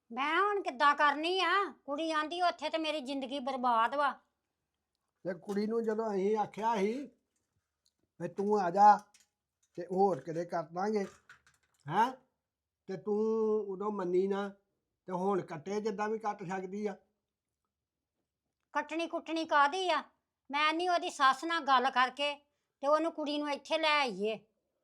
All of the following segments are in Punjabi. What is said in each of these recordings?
ਮੈਂ ਹੁਣ ਕਿੱਦਾਂ ਕਰਨੀ ਆ? ਕੁੜੀ ਆਂਦੀ ਉੱਥੇ ਤੇ ਮੇਰੀ ਜ਼ਿੰਦਗੀ ਬਰਬਾਦ ਵਾ। ਤੇ ਕੁੜੀ ਨੂੰ ਜਦੋਂ ਅਸੀਂ ਆਖਿਆ ਸੀ ਵੀ ਤੂੰ ਆ ਜਾ ਤੇ ਹੋਰ ਕਿਤੇ ਕਰ ਦਾਂਗੇ ਹੈਂ, ਤੇ ਤੂੰ ਉਦੋਂ ਮੰਨੀ ਨਾ। ਤੇ ਹੁਣ ਕੱਟੇ ਜਿੱਦਾਂ ਵੀ ਕੱਟ ਸਕਦੀ ਆ। ਕੱਟਣੀ ਕੁੱਟਣੀ ਕਾਹਦੀ ਆ? ਮੈਂ ਨਹੀਂ ਉਹਦੀ ਸੱਸ ਨਾਲ ਗੱਲ ਕਰਕੇ ਤੇ ਉਹਨੂੰ ਕੁੜੀ ਨੂੰ ਇੱਥੇ ਲੈ ਆਈਏ।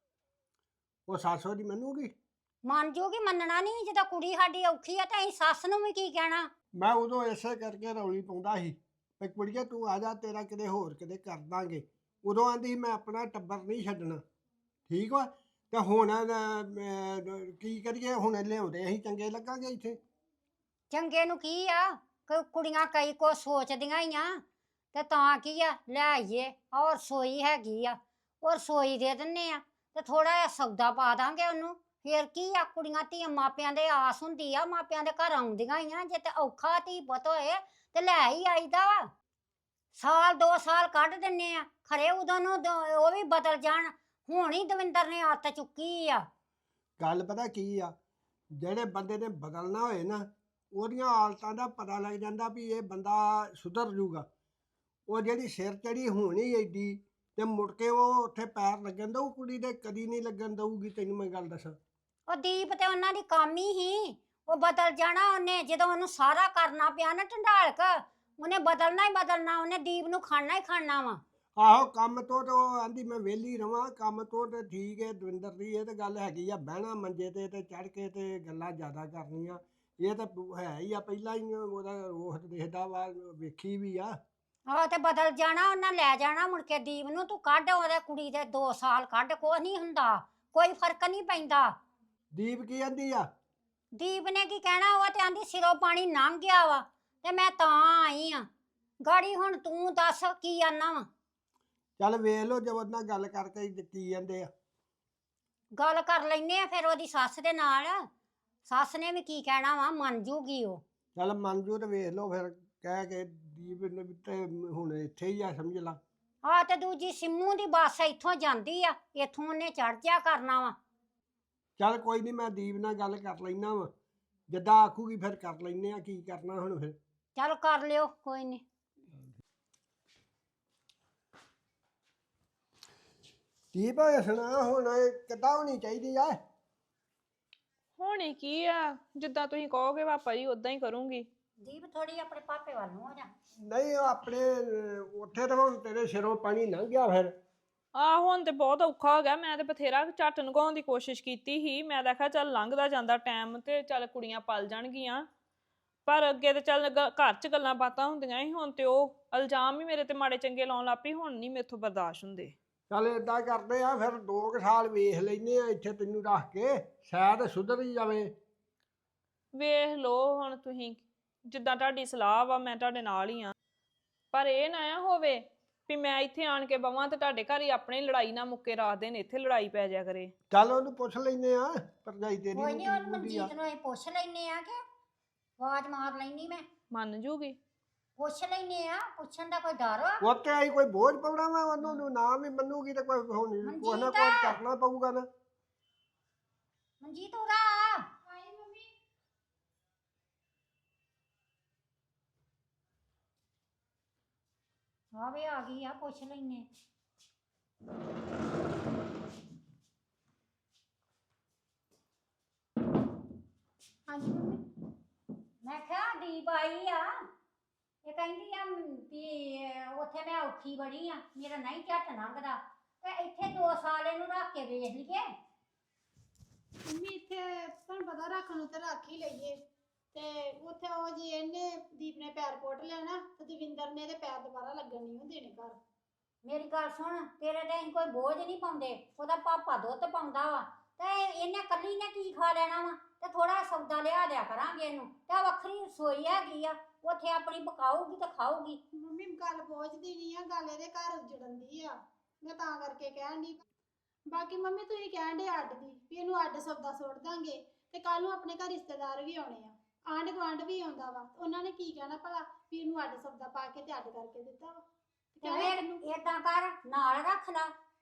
ਉਹ ਸੱਸ ਉਹਦੀ ਮੰਨੂਗੀ? ਮੰਨ ਜੂਗੀ, ਮੰਨਣਾ ਨਹੀਂ। ਜਦੋਂ ਕੁੜੀ ਸਾਡੀ ਔਖੀ ਆ ਤਾਂ ਅਸੀਂ ਸੱਸ ਨੂੰ ਵੀ ਕੀ ਕਹਿਣਾ। ਮੈਂ ਉਦੋਂ ਇਸੇ ਕਰਕੇ ਰੌਲੀ ਪਾਉਂਦਾ ਸੀ ਵੀ ਕੁੜੀਏ ਤੂੰ ਆ ਜਾ, ਤੇਰਾ ਕਿਤੇ ਹੋਰ ਕਿਤੇ ਕਰ ਦਾਂਗੇ। ਉਦੋਂ ਆਂਦੀ ਮੈਂ ਆਪਣਾ ਟੱਬਰ ਨਹੀਂ ਛੱਡਣਾ। ਠੀਕ ਵਾ। ਤੇ ਹੁਣ ਕੀ ਕਰੀਏ? ਹੁਣ ਲਿਆਉਂਦੇ ਅਸੀਂ ਚੰਗੇ ਲੱਗਾਂਗੇ ਇੱਥੇ? ਚੰਗੇ ਨੂੰ ਕੀ ਆ? ਕੁੜੀਆਂ ਕਈ ਕੁਛ ਸੋਚਦੀਆਂ ਹੀ ਆ। ਤੇ ਤਾਂ ਕੀ ਆ, ਲੈ ਆਈਏ। ਔਰ ਰਸੋਈ ਹੈਗੀ ਆ, ਉਹ ਰਸੋਈ ਦੇ ਦਿੰਨੇ ਆ ਤੇ ਥੋੜਾ ਜਿਹਾ ਸੌਦਾ ਪਾ ਦਾਂਗੇ ਉਹਨੂੰ। ਫੇਰ ਕੀ ਆ, ਕੁੜੀਆਂ ਧੀਆਂ ਮਾਪਿਆਂ ਦੇ ਆਸ ਹੁੰਦੀ ਆ, ਮਾਪਿਆਂ ਦੇ ਘਰ ਆਉਂਦੀਆਂ ਹੀ ਆ। ਜੇ ਤੇ ਔਖਾ ਧੀ ਪੁੱਤ ਹੋਏ ਤੇ ਲੈ ਹੀ ਆਈਦਾ ਵਾ। ਸਾਲ 2 ਸਾਲ ਕੱਢ ਦਿੰਨੇ ਆ, ਖਰੇ ਉਦੋਂ ਨੂੰ ਉਹ ਵੀ ਬਦਲ ਜਾਣ। ਹੁਣ ਹੀ ਦਵਿੰਦਰ ਨੇ ਆਦਤ ਚੁੱਕੀ ਆ। ਗੱਲ ਪਤਾ ਕੀ ਆ, ਜਿਹੜੇ ਬੰਦੇ ਨੇ ਬਦਲਣਾ ਹੋਏ ਨਾ, ਉਹਦੀਆਂ ਹਾਲਤਾਂ ਦਾ ਪਤਾ ਲੱਗ ਜਾਂਦਾ ਵੀ ਇਹ ਬੰਦਾ ਸੁਧਰ ਜੂਗਾ। ਉਹ ਜਿਹੜੀ ਸਿਰ ਚੜੀ ਹੋਣੀ ਐਡੀ, ਤੇ ਮੁੜ ਕੇ ਉਹ ਉੱਥੇ ਪੈਰ ਲੱਗਣ ਦਊ ਕੁੜੀ ਦੇ? ਕਦੀ ਨਹੀਂ ਲੱਗਣ ਦਊਗੀ, ਤੈਨੂੰ ਮੈਂ ਗੱਲ ਦੱਸਾਂ। ਉਹ ਦੀਪ ਤੇ ਉਹਨਾਂ ਦੀ ਕੰਮ ਹੀ ਉਹ ਬਦਲ ਜਾਣਾ ਉਹਨੇ। ਜਦੋਂ ਉਹਨੂੰ ਸਾਰਾ ਕਰਨਾ ਪਿਆ ਨਾ ਢੰਡਾਲਕ, ਉਹਨੇ ਬਦਲਣਾ ਹੀ ਬਦਲਣਾ। ਉਹਨੇ ਦੀਪ ਨੂੰ ਖਾਣਾ ਹੀ ਖਾਣਾ ਵਾ। ਆਹੋ, ਕੰਮ ਤੋਂ ਤੇ ਉਹ ਆਂਦੀ ਮੈਂ ਵਿਹਲੀ ਰਵਾਂ। ਕੰਮ ਤੋਂ ਤੇ ਠੀਕ ਹੈ ਦਵਿੰਦਰ ਦੀ, ਇਹ ਤੇ ਗੱਲ ਹੈਗੀ ਆ। ਬਹਿਣਾ ਮੰਜੇ ਤੇ ਚੜ ਕੇ ਤੇ ਗੱਲਾਂ ਜ਼ਿਆਦਾ ਕਰਨੀਆਂ, ਇਹ ਤਾਂ ਹੈ ਹੀ ਆ। ਪਹਿਲਾਂ ਹੀ ਉਹਦਾ ਰੋਹ ਦਿਖਦਾ ਵਾ, ਵੇਖੀ ਵੀ ਆ। ਆਹ ਤੇ ਬਦਲ ਜਾਣਾ, ਉਹਨਾਂ ਲੈ ਜਾਣਾ ਮੁੜ ਕੇ ਦੀਪ ਨੂੰ। ਤੂੰ ਕੱਢ ਉਹਦੇ ਕੁੜੀ ਦੇ 2 ਸਾਲ ਕੱਢ, ਕੁਛ ਨਹੀਂ ਹੁੰਦਾ, ਕੋਈ ਫਰਕ ਨਹੀਂ ਪੈਂਦਾ। ਦੀਪ ਕੀ ਆਂਦੀ ਆ? ਦੀਪ ਨੇ ਕੀ ਕਹਿਣਾ? ਉਹ ਤੇ ਆਂਦੀ ਸਿਰੋਂ ਪਾਣੀ ਲੰਘ ਗਿਆ ਵਾ ਤੇ ਮੈਂ ਤਾਂ ਆਈ ਆ। ਗਾੜੀ ਹੁਣ ਤੂੰ ਦੱਸ ਕੀ ਆਨਾ ਵਾ? ਚੱਲ ਵੇਖ ਲਓ, ਜਦ ਨਾਲ ਗੱਲ ਕਰਕੇ ਕੀ ਜਾਂਦੇ ਆ। ਗੱਲ ਕਰ ਲੈਨੇ ਆ ਫਿਰ ਉਹਦੀ ਸੱਸ ਦੇ ਨਾਲ। ਸੱਸ ਨੇ ਵੀ ਕੀ ਕਹਿਣਾ ਵਾ, ਮੰਨ ਜੂਗੀ ਉਹ। ਚੱਲ ਮੰਨ ਜੂ ਤੇ ਵੇਖ ਲਓ ਫਿਰ, ਕਹਿ ਕੇ ਦੀਪ ਨੇ ਵੀ ਤੇ ਹੁਣ ਇੱਥੇ ਹੀ ਆ, ਸਮਝ ਲਾ। ਆ ਤੇ ਦੂਜੀ ਸਿੰਮੂ ਦੀ ਬੱਸ ਇੱਥੋਂ ਜਾਂਦੀ ਆ, ਇੱਥੋਂ ਉਹਨੇ ਚੜ ਜਾ ਕਰਨਾ ਵਾ। ਚੱਲ ਕੋਈ ਨਹੀਂ, ਮੈਂ ਦੀਪ ਨਾਲ ਗੱਲ ਕਰ ਲੈਣਾ ਵਾ। ਜਿੱਦਾਂ ਆਖੂਗੀ ਫਿਰ ਕਰ ਲੈਨੇ ਆ, ਕੀ ਕਰਨਾ ਹੁਣ ਫਿਰ। ਚੱਲ ਕਰ ਲਿਓ, ਕੋਈ ਨਹੀਂ। ਦੀਪ ਸੁਣਾ, ਹੁਣ ਇਹ ਕਿੱਦਾਂ ਹੋਣੀ ਚਾਹੀਦੀ ਆ? ਹੋਣੀ ਕੀ ਆ, ਜਿੱਦਾਂ ਤੁਸੀਂ ਕਹੋਗੇ ਪਾਪਾ ਜੀ ਉਦਾਂ ਹੀ ਕਰੂੰਗੀ। ਦੀਪ ਥੋੜੀ ਆਪਣੇ ਪਾਪੇ ਵੱਲ ਨੂੰ ਹੋ ਜਾ। ਨਹੀਂ, ਉਹ ਆਪਣੇ ਉੱਥੇ ਤਾਂ ਹੁਣ ਤੇਰੇ ਸਿਰੋਂ ਪਾਣੀ ਲੰਘ ਗਿਆ ਫਿਰ। ਹੁਣ ਤੇ ਬਹੁਤ ਔਖਾ ਹੋ ਗਿਆ। ਮੈਂ ਤੇ ਬਥੇਰਾ ਝੱਟ ਨਗਾਉਣ ਦੀ ਕੋਸ਼ਿਸ਼ ਕੀਤੀ ਸੀ। ਮੈਂ ਦੇਖਿਆ ਚੱਲ ਲੰਘਦਾ ਜਾਂਦਾ ਟਾਈਮ ਤੇ ਚੱਲ ਕੁੜੀਆਂ ਪਲ ਜਾਣਗੀਆਂ। ਪਰ ਅੱਗੇ ਤੇ ਚੱਲ ਘਰ 'ਚ ਗੱਲਾਂ ਬਾਤਾਂ ਹੁੰਦੀਆਂ ਸੀ। ਹੁਣ ਤੇ ਉਹ ਇਲਜ਼ਾਮ ਹੀ ਮੇਰੇ ਤੇ ਮਾੜੇ ਚੰਗੇ ਲਾਉਣ ਲੱਗ ਪਈ। ਹੁਣ ਨਹੀਂ ਮੇਥੋਂ ਬਰਦਾਸ਼ਤ ਹੁੰਦੇ। ਚੱਲ ਏਦਾਂ ਕਰਦੇ ਆ ਫਿਰ, 2 ਸਾਲ ਵੇਖ ਲੈਨੇ ਆ ਇੱਥੇ ਤੈਨੂੰ ਰੱਖ ਕੇ, ਸ਼ਾਇਦ ਸੁਧਰ ਹੀ ਜਾਵੇ। ਵੇਖ ਲਓ ਹੁਣ ਤੁਸੀਂ, ਜਿੱਦਾਂ ਤੁਹਾਡੀ ਸਲਾਹ ਵਾ ਮੈਂ ਤੁਹਾਡੇ ਨਾਲ ਹੀ ਆ। ਪਰ ਇਹ ਨਾ ਹੋਵੇ ਵੀ ਮੈਂ ਇੱਥੇ ਆਣ ਕੇ ਬਵਾਂ ਤੇ ਤੁਹਾਡੇ ਘਰ ਹੀ ਆਪਣੀ ਲੜਾਈ ਨਾ ਮੁੱਕੇ, ਰਾਤ ਦਿਨ ਇੱਥੇ ਲੜਾਈ ਪੈ ਜਾ ਕਰੇ। ਚੱਲ ਉਹਨੂੰ ਪੁੱਛ ਲੈਨੇ ਆ, ਭਰਜਾਈ ਤੇਰੀ ਕੋਈ ਨੂੰ ਨਹੀਂ, ਕੀ ਉਹਨੂੰ ਬੁੱਧੀ ਆ। ਮਨਜੀਤ ਨੂੰ ਅਸੀਂ ਪੁੱਛ ਲੈਨੇ ਆ ਕਿ ਆਵਾਜ਼ ਮਾਰ ਲੈਣੀ। ਮੈਂ ਮੰਨ ਜੂਗੀ? ਪੁੱਛ ਲੈਨੇ ਆ, ਪੁੱਛਣ ਦਾ ਕੋਈ ਡਰ ਵਾ? ਉੱਤੇ ਆਈ ਕੋਈ ਬੋਝ ਪਾਉਣਾ ਵਾ ਉਹਨੂੰ? ਨਾ ਵੀ ਮੰਨੂਗੀ ਤੇ ਕੋਈ ਹੋਣੀ, ਕੁਛ ਨਾ ਕੁਛ ਕਰਨਾ ਪਊਗਾ ਨਾ। ਮਨਜੀਤ ਉਰਾ ਆ। ਹਾਂ ਵੇ ਆ ਗਈ ਆ, ਪੁੱਛ ਲੈਨੇ। ਹਾਂਜੀ ਮੰਮੀ। ਮੈਂ ਕਿਹਾ ਦੀਪ ਆਈ ਆ, ਇਹ ਕਹਿੰਦੀ ਆ ਵੀ ਉੱਥੇ ਮੈਂ ਔਖੀ ਬੜੀ ਆ, ਮੇਰਾ ਨਹੀਂ ਝੱਟ ਲੰਘਦਾ ਤੇ ਇੱਥੇ 2 ਸਾਲ ਇਹਨੂੰ ਰੱਖ ਕੇ ਵੇਖ ਲਈਏ। ਮੰਮੀ ਇੱਥੇ ਤੁਹਾਨੂੰ ਪਤਾ ਰੱਖਣ ਨੂੰ ਤੇ ਰੱਖ ਹੀ ਲਈਏ, ਤੇ ਉੱਥੇ ਉਹ ਜੀ ਇਹਨੇ ਦੀਪ ਨੇ ਪੈਰ ਪੁੱਟ ਲੈਣਾ ਤੇ ਦਵਿੰਦਰ ਨੇ ਤੇ ਪੈਰ ਦੁਬਾਰਾ ਲੱਗਣ ਨਹੀਂ ਦੇਣੇ ਘਰ। ਮੇਰੀ ਗੱਲ ਸੁਣ, ਤੇਰੇ ਤੇ ਅਸੀਂ ਕੋਈ ਬੋਝ ਨਹੀਂ ਪਾਉਂਦੇ, ਉਹਦਾ ਪਾਪਾ ਦੁੱਧ ਪਾਉਂਦਾ ਵਾ ਤੇ ਇਹਨੇ ਕੱਲੀ ਨੇ ਕੀ ਖਾ ਲੈਣਾ ਵਾ। ਤੇ ਥੋੜਾ ਸੌਦਾ ਲਿਆ ਦਿਆ ਕਰਾਂਗੇ ਇਹਨੂੰ, ਤੇ ਵੱਖਰੀ ਰਸੋਈ ਹੈਗੀ ਆ, ਉੱਥੇ ਆਪਣੀ ਪਕਾਊਗੀ ਤੇ ਖਾਊਗੀ। ਮੰਮੀ ਗੱਲ ਬੋਝ ਦੀ ਨਹੀਂ ਆ, ਗੱਲ ਇਹਦੇ ਘਰ ਉੱਜੜਨ ਦੀ ਆ, ਮੈਂ ਤਾਂ ਕਰਕੇ ਕਹਿਣ ਦੀ। ਬਾਕੀ ਮੰਮੀ ਤੁਸੀਂ ਕਹਿਣ ਦੇ ਅੱਡ ਦੀ ਵੀ ਇਹਨੂੰ ਅੱਡ ਸੌਦਾ ਸੁੱਟ ਦਾਂਗੇ, ਤੇ ਕੱਲ ਨੂੰ ਆਪਣੇ ਘਰ ਰਿਸ਼ਤੇਦਾਰ ਵੀ ਆਉਣੇ ਆ, ਆਂਢ ਗੁਆਂਢ ਵੀ ਆਉਂਦਾ ਵਾ, ਉਹਨਾਂ ਨੇ ਕੀ ਕਹਿਣਾ ਭਲਾ ਵੀ ਇਹਨੂੰ ਅੱਡ ਸੌਦਾ ਪਾ ਕੇ ਤੇ ਅੱਡ ਕਰਕੇ ਦਿੱਤਾ ਵਾ। ਤੇ ਫਿਰ ਏਦਾਂ ਕਰ, ਨਾਲ ਰੱਖ ਲਾ।